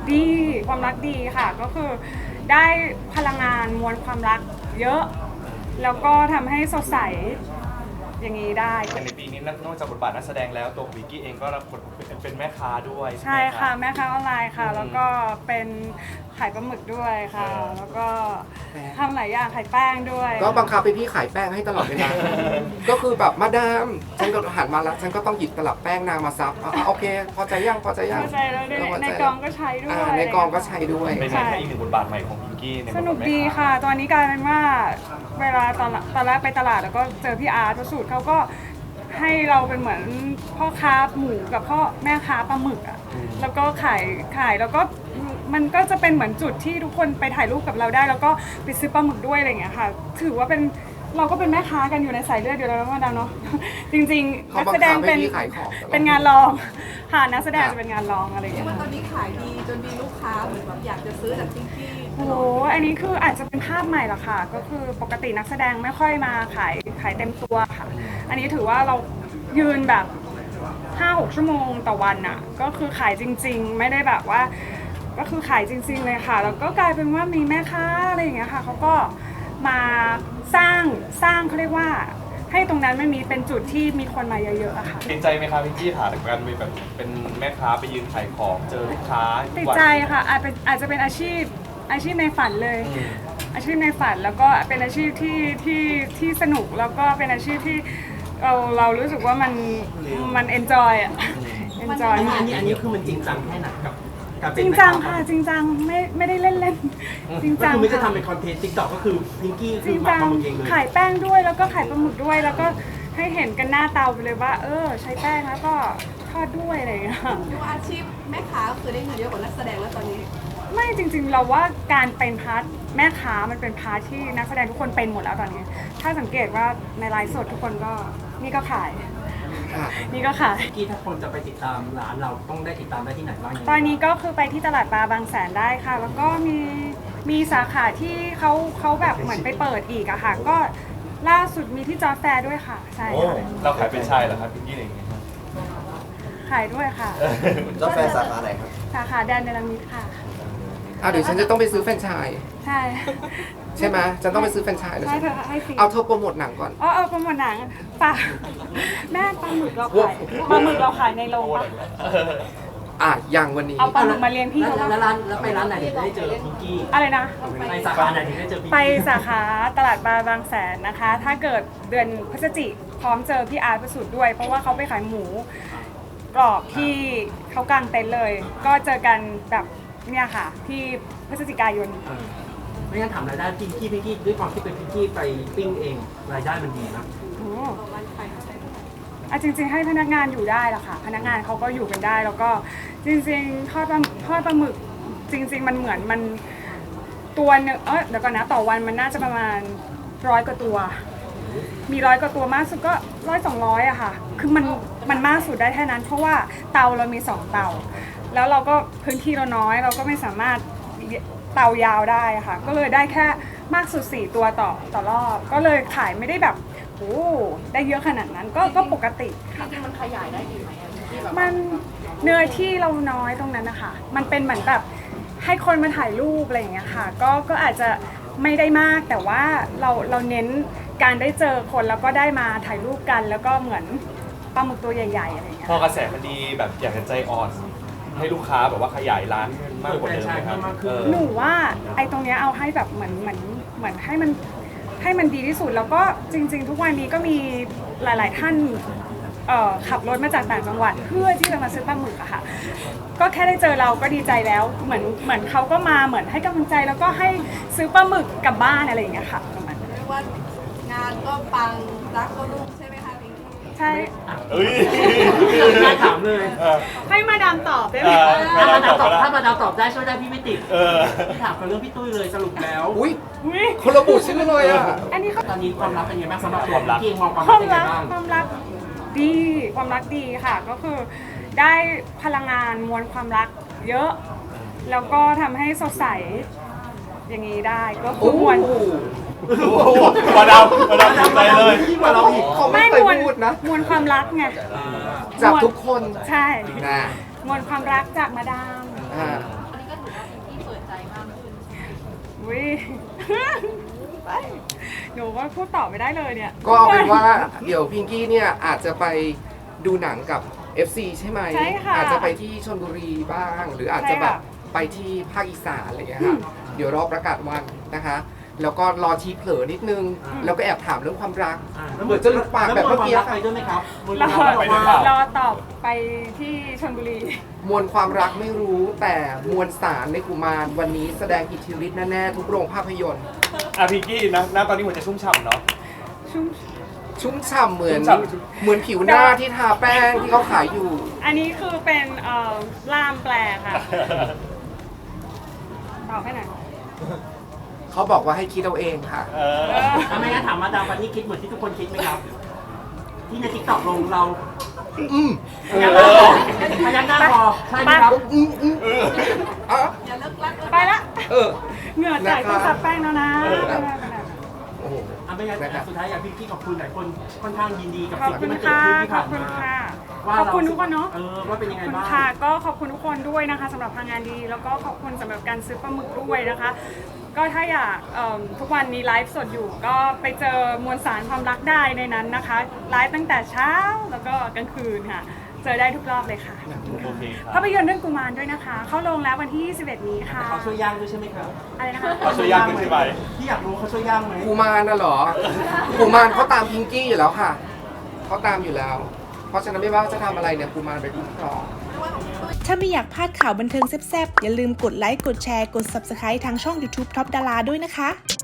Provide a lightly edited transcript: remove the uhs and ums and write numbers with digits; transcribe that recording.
ดีความรักดีค่ะก็คือได้พลังงานมวลความรักเยอะแล้วก็ทำให้สดใสอย่างนี้ได้ในปีนี้นอกจากบทบาทนักแสดงแล้วตัววิกกี้เองก็รับบทเป็นแม่ค้าด้วยใช่ใช่ไหมค่ะแม่ค้าออนไลน์ค่ะแล้วก็เป็นขายปลาหมึกด้วยค่ะแล้วก็ทำหลายอย่างขายแป้งด้วยก็บังคับไปพี่ขายแป้งให้ตลอดเวลา ก็คือแบบมาดามฉันก็หันมาแล้วฉันก็ต้องหยิบตลับแป้งนางมาซับโอเคพอใจยังพอใจยังพอใจแล้วในกองก็ใช้ด้วยในกองก็ใช้ด้วยเป็นไงคะอีกหนึ่งบทบาทใหม่ของวิกกี้ในบทบาทสนุกดีค่ะตอนนี้กลายเป็นว่าเวลาตอนแรกไปตลาดแล้วก็เจอพี่อาร์ตสูตรเขาก็ให้เราเป็นเหมือนพ่อค้าหมูกับพ่อแม่ค้าปลาหมึกอ่ะแล้วก็ขายแล้วก็มันก็จะเป็นเหมือนจุดที่ทุกคนไปถ่ายรูปกับเราได้แล้วก็ไปซื้อปลาหมึกด้วยอะไรอย่างเงี้ยค่ะถือว่าเป็นเราก็เป็นแม่ค้ากันอยู่ในสายเลือดอยู่แล้วนะเนาะจริงๆนักแสดงเป็นงานรองค่ะนักแสดงจะเป็นงานรองอะไรอย่างเงี้ยว่าตอนนี้ขายดีจนมีลูกค้าเหมือนแบบอยากจะซื้อจากที่โอ้โหอันนี้คืออาจจะเป็นภาพใหม่ละค่ะก็คือปกตินักแสดงไม่ค่อยมาขายเต็มตัวค่ะอันนี้ถือว่าเรายืนแบบ 5-6 ชั่วโมงต่อวันน่ะก็คือขายจริงๆไม่ได้แบบว่าก็คือขายจริงๆเลยค่ะแล้วก็กลายเป็นว่ามีแม่ค้าอะไรอย่างเงี้ยค่ะเขาก็มาสร้างเขาเรียกว่าให้ตรงนั้นมันมีเป็นจุดที่มีคนมาเยอะๆอะค่ะติดใจไหมคะวิกกี้ค่ะกับการแบบเป็นแม่ค้าไปยืนขายของเจอลูกค้าติดใจค่ะอาจจะเป็นอาชีพในฝันเลยอาชีพในฝันแล้วก็เป็นอาชีพที่สนุกแล้วก็เป็นอาชีพที่เรารู้สึกว่ามันเอนจอยอ่ะเอนจอยอันนี้คือมันจริงจังแค่ไหนกับการเป็นจริงจังค่ะจริงจังไม่ได้เล่นจริงจังคือไม่จะทำเป็นคอนเทนต์ติ๊กต็อกก็คือพิงกี้จคือริงมาจังทำเองเลยขายแป้งด้วยแล้วก็ขายปลาหมึกด้วยแล้วก็ให้เห็นกันหน้าเตาไปเลยว่าใช้แป้งแล้วก็ทอดด้วยอะไรอย่างเงี้ยดูอาชีพแม่ค้าก็คือได้เงินเยอะกว่านักแสดงแล้วตอนนี้ไม่จริงๆเราว่าการเป็นพาร์ทแม่ค้ามันเป็นพาร์ทที่นักแสดงทุกคนเป็นหมดแล้วตอนนี้ถ้าสังเกตว่าในไลฟ์สดทุกคนก็นี่ก็ขายนี่ก็ขายกี้ถ้าคนจะไปติดตามร้านเราต้องได้ติดตามได้ที่ไหนบ้างตอนนี้ก็คือไปที่ตลาดปลาบางแสนได้ค่ะแล้วก็มีสาขาที่เขาแบบเหมือนไปเปิดอีกอะค่ะก็ล่าสุดมีที่จอร์จแฟร์ด้วยค่ะใช่ค่ะเราขายเป็นชายเหรอครับวิกกี้เองขายด้วยค่ะจอร์จแฟร์สาขาไหนครับสาขาแดนเนลมิดค่ะเดี๋ยวฉันจะต้องไปซื้อแฟรนไชส์ใช่ใช่ไหมฉันต้องไปซื้อแฟรนไชส์เลยให้ฟรีเอาเธอโปรโมทหนังก่อนโปรโมทหนังป่ะแม่ปลาหมึกเราขายในโรงป่ะอย่างวันนี้เอาปลาหมึกมาเลี้ยงพี่เขาแล้วไปร้านไหนถึงได้เจอพิงกี้อะไรนะไปสาขาไหนถึงได้เจอพิงกี้ไปสาขาตลาดปลาบางแสนนะคะถ้าเกิดเดือนพฤศจิกพร้อมเจอพี่อาร์ตประสูตรด้วยเพราะว่าเขาไปขายหมูกรอบที่เขากางเต็นท์เลยก็เจอกันแบบเนี่ยค่ะที่พฤศจิกายนไม่งั้นถามรายได้พิงกี้ด้วยความที่เป็นพิงกี้ไปปิ้งเองรายได้มันดีนะจริงๆให้พนักงานอยู่ได้ละค่ะพนักงานเขาก็อยู่กันได้แล้วก็จริงๆทอดปลาหมึกจริงๆมันเหมือนมันตัวนึงเดี๋ยวก่อนนะต่อวันมันน่าจะประมาณ100 กว่าตัวมี100 กว่าตัวมากสุดก็100-200อะค่ะคือมันมากสุดได้แค่นั้นเพราะว่าเตาเรามี2เตาแล้วเราก็พื้นที่เราน้อยเราก็ไม่สามารถเตายาวได้ค่ะก็เลยได้แค่มากสุด4ตัวต่อรอบก็เลยขายไม่ได้แบบโอ้ได้เยอะขนาดนั้นก็ปกติจริงๆมันขยายได้ดีไหมมันเนื้อที่เราน้อยตรงนั้นนะคะมันเป็นเหมือนแบบให้คนมาถ่ายรูปอะไรอย่างเงี้ยค่ะก็อาจจะไม่ได้มากแต่ว่าเราเน้นการได้เจอคนแล้วก็ได้มาถ่ายรูปกันแล้วก็เหมือนปลาหมึกตัวใหญ่ๆอะไรอย่างเงี้ยพอกระแสมันดีแบบอยากจะใจอ่อนให้ลูกค้าแบบว่าขยายร้านมากกว่าเดิมไหมครับหนูว่าไอ้ตรงเนี้ยเอาให้แบบเหมือนให้มันดีที่สุดแล้วก็จริงๆทุกวันนี้ก็มีหลายๆท่านขับรถมาจากต่างจังหวัดเพื่อที่จะมาซื้อปลาหมึกอะค่ะก็แค่ได้เจอเราก็ดีใจแล้วเหมือนเขาก็มาเหมือนให้กำลังใจแล้วก็ให้ซื้อปลาหมึกกลับบ้านอะไรอย่างเงี้ยค่ะประมาณเรียกว่างานก็ปังรักก็รุ่งใช่ไหมคะพิงกี้ใช่น่าถามเลยให้มาดามตอบได้ไหมถ้ามาดามตอบได้ช่วยได้พี่ไม่ติดพี่ถามกันเรื่องพี่ตุ้ยเลยสรุปแล้วคนระบุชื่อเลยอันนี้ตอนนี้ความรักเป็นยังไงบ้างสำหรับตัวพี่มองความรักเป็นยังไงบ้างความรักดีค่ะก็คือได้พลังงานมวลความรักเยอะแล้วก็ทำให้สดใสอย่างนี้ได้ก็คือมวลมาดามใจเลยเขาไม่เคยพูดนะมวลความรักไงจากทุกคนใช่มวลความรักจากมาดามอุ้ย หนูว่าพูดต่อไม่ได้เลยเนี่ยก็เอาเป็นว่าเดี๋ยวพิงกี้เนี่ยอาจจะไปดูหนังกับ FC ใช่ไหมใช่ค่ะอาจจะไปที่ชลบุรีบ้าง หรืออาจจะแบบไปที่ภาคอีสานอะไรอย่างเงี้ยค่ะเดี๋ยวรอประกาศวันนะคะ แล้วก็รอทีเผลอนิดนึง แล้วก็แอบถามเรื่องความรัก เหมือนจะหลุดปากแบบเมื่อกี้แล้วค่ะไปด้วยไหมครับรอไปด้วยเปล่ารอตอบไปที่ชลบุรีมวลความรักไม่รู้แต่มวลสารในกุมารวันนี้แสดงอิทธิฤทธิ์แน่ๆทุกโรงภาพยนตร์อ่ะพิงกี้นะตอนนี้หัวใจชุ่มฉ่ำเนาะชุ่มชุ่มฉ่ำเหมือนชุ่มฉ่ำเหมือนผิวหน้าที่ทาแป้งที่เขาขายอยู่อันนี้คือเป็นล่ามแปลค่ะ ตอบให้หน่อยเขาบอกว่าให้คิดเอาเองค่ะเออถ้าไม่งั้นถามมาดามปันนี่คิดเหมือนที่ทุกคนคิดไหมครับ ที่ในทิกตอกลงเราอืมพยักหน้าพอใช่ไหมครับอ่ะอย่าเลิกรักไปละเออเหงื่อแตกต้องซับแป้งแล้วนะโอ้โหไม่งั้นสุดท้ายอยากพี่ขอบคุณหลายคนค่อนข้างยินดีกับขอบสิ่งคุที่ณมันเกิดค่ะขึ้นที่ขอผ่าบนคุณมาค่ะ ขอบคุณทุกคนเนาะว่าเป็นยังไงขอบคุณบ้างค่ะ ก็ขอบคุณทุกคนด้วยนะคะสำหรับพลังงานดี แล้วก็ขอบคุณสำหรับการซื้อปลาหมึกด้วยนะคะ ก็ถ้าอยากทุกวันนี้ไลฟ์สดอยู่ ก็ไปเจอมวลสารความรักได้ในนั้นนะคะไลฟ์ตั้งแต่เช้าแล้วก็กลางคืนค่ะ เจอได้ทุกรอบเลยค่ะโอเคครับภาพยนตร์เรื่องกุมารด้วยนะคะ เข้าโรงแล้ววันที่ 21 นี้ค่ะเขาช่วยย่างด้วยใช่ไหมครับอะไรนะคะเขาช่วยย่างด้วยใช่ไหมที่อยากรู้เขาช่วยย่างไหมกุมารน่ะเหรอกุมารเขาตามพิงกี้อยู่แล้วค่ะเขาตามอยู่แล้ว เพราะฉะนั้นไม่ว่าจะทำอะไรเนี่ยกุมารไปคุ้มครองถ้าไม่อยากพลาดข่าวบันเทิงแซ่บๆ อย่าลืมกดไลค์ กดแชร์ กด Subscribe ทางช่อง YouTube Top Dara ด้วยนะคะ